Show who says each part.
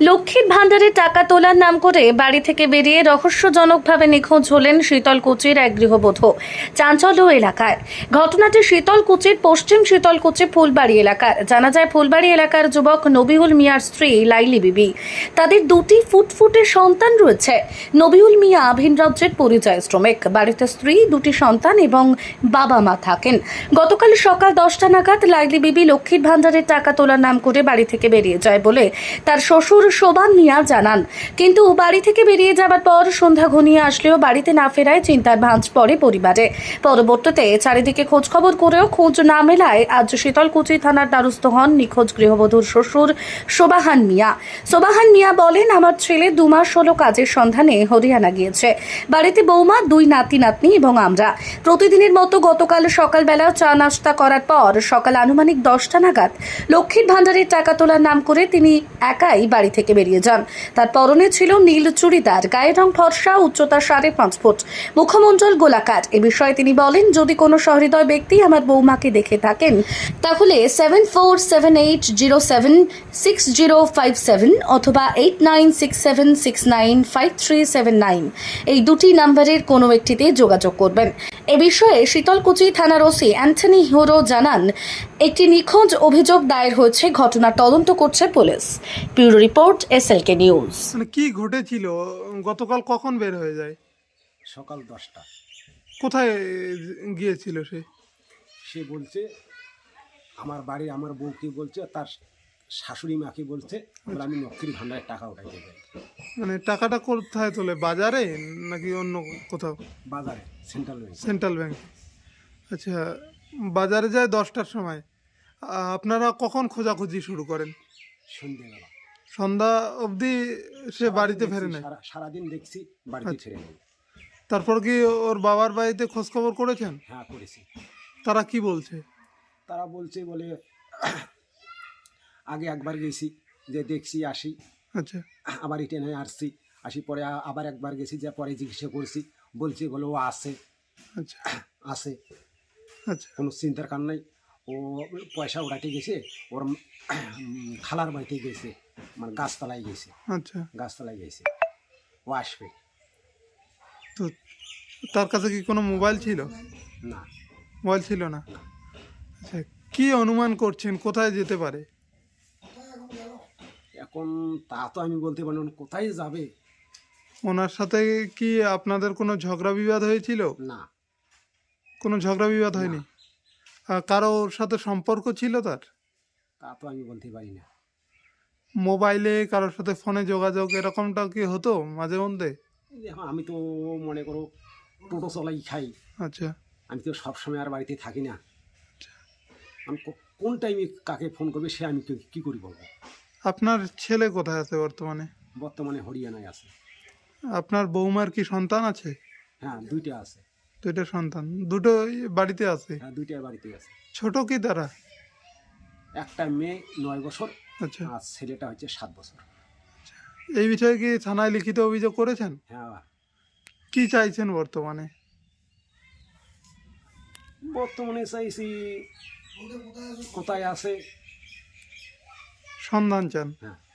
Speaker 1: লক্ষ্মীর ভাণ্ডারে টাকা তোলার নাম করে বাড়ি থেকে বেরিয়ে রহস্যজনকভাবে নিখোঁজ হলেন শীতলকুচির এক গৃহবধূ। চাঞ্চল্য এলাকায় ঘটনাটি শীতলকুচির পশ্চিম শীতলকুচি ফুলবাড়ি এলাকার। জানা যায়, ফুলবাড়ি এলাকার যুবক নবিউল মিয়ার স্ত্রী লাইলি বিবি, তাদের দুটি ফুটফুটে সন্তান রয়েছে। নবিউল মিয়া ভিন রাজ্যের পরিযায়ী শ্রমিক, বাড়িতে স্ত্রী, দুটি সন্তান এবং বাবা মা থাকেন। গতকাল সকাল 10টা নাগাদ লাইলি বিবি লক্ষ্মীর ভাণ্ডারের টাকা তোলার নাম করে বাড়ি থেকে বেরিয়ে যায় বলে তার শ্বশুর শোভান মিয়া জানান। কিন্তু বাড়ি থেকে বেরিয়ে যাবার পর সন্ধ্যা ঘনিয়ে আসলেও বাড়িতে না ফেরায় চিন্তার ভাঁজ পড়ে পরিবারে। পরবর্তীতে চারিদিকে খোঁজখবর করেও খোঁজ না মেলায় আজ শীতলকুচি থানার দ্বারস্থ হন নিখোঁজ গৃহবধূর শ্বশুর শোভান মিয়া। শোভান মিয়া বলেন, আমার ছেলে 2 মাস হলো কাজের সন্ধানে হরিয়ানা গিয়েছে। বাড়িতে বৌমা, 2 নাতি নাতনি এবং আমরা। প্রতিদিনের মতো গতকাল সকালবেলা চা নাস্তা করার পর সকাল আনুমানিক 10টা নাগাদ লক্ষ্মীর ভাণ্ডারের টাকা তোলার নাম করে তিনি একাই বাড়ি থেকে বেরিয়ে যান। তার পরনে ছিল নীল চুড়িদার, গায়ের রং ফর্সা, উচ্চতা 5.5 ফুট, মুখমণ্ডল গোলাকার। এ বিষয়ে তিনি বলেন, যদি কোনো সহৃদয় ব্যক্তি আমার বৌমাকে দেখে থাকেন তাহলে 7478076057 অথবা 8967695379 এই দুটি নম্বরের কোনো একটিতে যোগাযোগ করবেন। এ বিষয়ে শীতলকুচি থানার ওসি অ্যান্থনি হিরো জানান, একটি নিখোঁজ অভিযোগ দায়ের হয়েছে, ঘটনার তদন্ত করছে police. Bureau report, SLK news.
Speaker 2: মানে কি ঘটেছিল? গতকাল কখন বের হয়ে যায়?
Speaker 3: সকাল 10টা।
Speaker 2: কোথায় গিয়েছিল সে?
Speaker 3: সে বলছে আমার বাড়ি, আমার বউকে বলছে, তার শাশুড়ি মাকে বলছে বলে আমি লক্ষ্মীর ভাণ্ডারের টাকা উঠাইতে যাই।
Speaker 2: মানে টাকাটা কোথায় তোলে, বাজারে নাকি অন্য কোথাও?
Speaker 3: বাজারে, সেন্ট্রাল ব্যাংক।
Speaker 2: Central bank. আচ্ছা, বাজারে যায় 10টার সময়। আপনারা কখন খোঁজাখুঁজি শুরু করেন?
Speaker 3: সন্ধ্যেবেলা।
Speaker 2: সন্ধ্যা অবধি সে বাড়িতে ফেরে নাই?
Speaker 3: সারাদিন দেখছি বাড়িতে ছেড়ে নেই।
Speaker 2: তারপর কি ওর বাবার বাড়িতে খোঁজখবর করেছেন?
Speaker 3: হ্যাঁ, করেছি।
Speaker 2: তারা কি বলছে?
Speaker 3: তারা বলছে বলে আগে একবার গেছি, যে দেখছি আসি,
Speaker 2: আচ্ছা
Speaker 3: আবার রিটেনে আসি পরে আবার একবার গেছি, যে পরে জিজ্ঞাসা করছি, বলছে বলে ও আসে
Speaker 2: আচ্ছা
Speaker 3: আসে,
Speaker 2: আচ্ছা
Speaker 3: কোনো চিন্তার কারণ নাই। ও পয়সা উড়াতে গেছে, ওর খালার বাড়িতে গেছে, মানে গাছতলায় গেছে,
Speaker 2: আচ্ছা।
Speaker 3: গাছতলায় গেছে, ও আসবে।
Speaker 2: তো তার কাছে কি কোনো মোবাইল ছিল?
Speaker 3: না,
Speaker 2: মোবাইল ছিল না। আচ্ছা, কি অনুমান করছেন কোথায় যেতে পারে?
Speaker 3: এখন তা তো আমি বলতে পারি না, কোথায় যাবে।
Speaker 2: ওনার সাথে কি আপনাদের কোনো ঝগড়া বিবাদ হয়েছিল?
Speaker 3: না,
Speaker 2: কোনো ঝগড়া বিবাদ হয়নি? কারোর সাথে সম্পর্ক ছিল তার?
Speaker 3: তা তো আমি বলতে পারি না।
Speaker 2: মোবাইলে কারোর সাথে ফোনে যোগাযোগ এরকমটা কি হতো মাঝে মধ্যে?
Speaker 3: এখন আমি তো মনে করো টোটো চলাই খাই,
Speaker 2: আচ্ছা
Speaker 3: আমি তো সবসময় আর বাড়িতে থাকি না। আমি কোন টাইমে কাকে ফোন করবে সে আমি কি করি বলবো।
Speaker 2: আপনার ছেলে কোথায় আছে বর্তমানে?
Speaker 3: বর্তমানে হরিয়ানায় আছে।
Speaker 2: আপনার বৌমার কি সন্তান আছে?
Speaker 3: হ্যাঁ, 2টা আছে।
Speaker 2: 2টা সন্তান, দুটো বাড়িতে আছে?
Speaker 3: হ্যাঁ, 2টাই বাড়িতে আছে।
Speaker 2: ছোট কি তারা?
Speaker 3: একটা মেয়ে 9 বছর,
Speaker 2: আচ্ছা,
Speaker 3: আর ছেলেটা হচ্ছে 7 বছর।
Speaker 2: এই বিষয়ে কি থানায় লিখিত অভিযোগ করেছেন?
Speaker 3: হ্যাঁ,
Speaker 2: কি চাইছেন বর্তমানে?
Speaker 3: বর্তমানে চাইছি কোথায় আছে
Speaker 2: সন্ধান চান?
Speaker 3: হ্যাঁ।